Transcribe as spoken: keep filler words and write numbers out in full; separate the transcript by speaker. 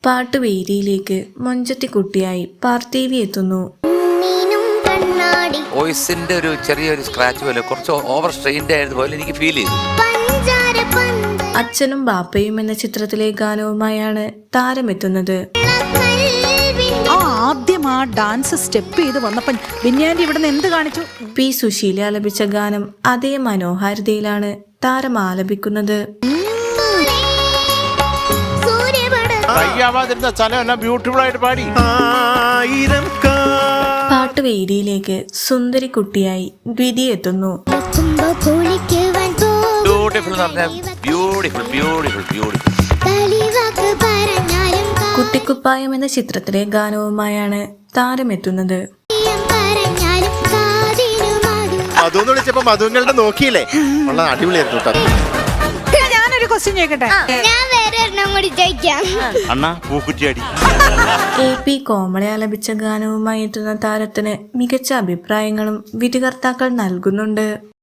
Speaker 1: പാട്ടുവേദിയിലേക്ക് മൊഞ്ചത്തിക്കുട്ടിയായി പാർത്ഥേവി എത്തുന്നു.
Speaker 2: വോയിസിന്റെ ഒരു ചെറിയൊരു സ്ക്രാച്ച് പോലെ കുറച്ച് ഓവർ സ്ട്രെയിൻഡ് ആയതുപോലെ എനിക്ക് ഫീൽ ചെയ്തു.
Speaker 1: അച്ഛനും ബാപ്പയും എന്ന ചിത്രത്തിലെ ഗാനവുമായാണ് താരമെത്തുന്നത്.
Speaker 3: ആദ്യം ആ ഡാൻസ് സ്റ്റെപ്പ് ചെയ്ത് വന്നപ്പോൾ ബിന്യാൻഡി ഇവിടുന്ന് എന്ത് കാണിച്ചു?
Speaker 1: പി സുശീല ആലപിച്ച ഗാനം അതേ മനോഹാരിതയിലാണ് താരം ആലപിക്കുന്നത്. പാട്ടുവേദിയിലേക്ക് സുന്ദരി കുട്ടിയായി ദ്വിതി എത്തുന്നു. കുട്ടിക്കുപ്പായം എന്ന ചിത്രത്തിലെ ഗാനവുമായാണ് താരമെത്തുന്നത്.
Speaker 3: ഞാനൊരു ക്വസ്റ്റ്യൻ ചോദിക്കട്ടെ?
Speaker 1: എ പി കോമള ആലപിച്ച ഗാനവുമായി എത്തുന്ന താരത്തിന് മികച്ച അഭിപ്രായങ്ങളും വിധികർത്താക്കൾ നൽകുന്നുണ്ട്.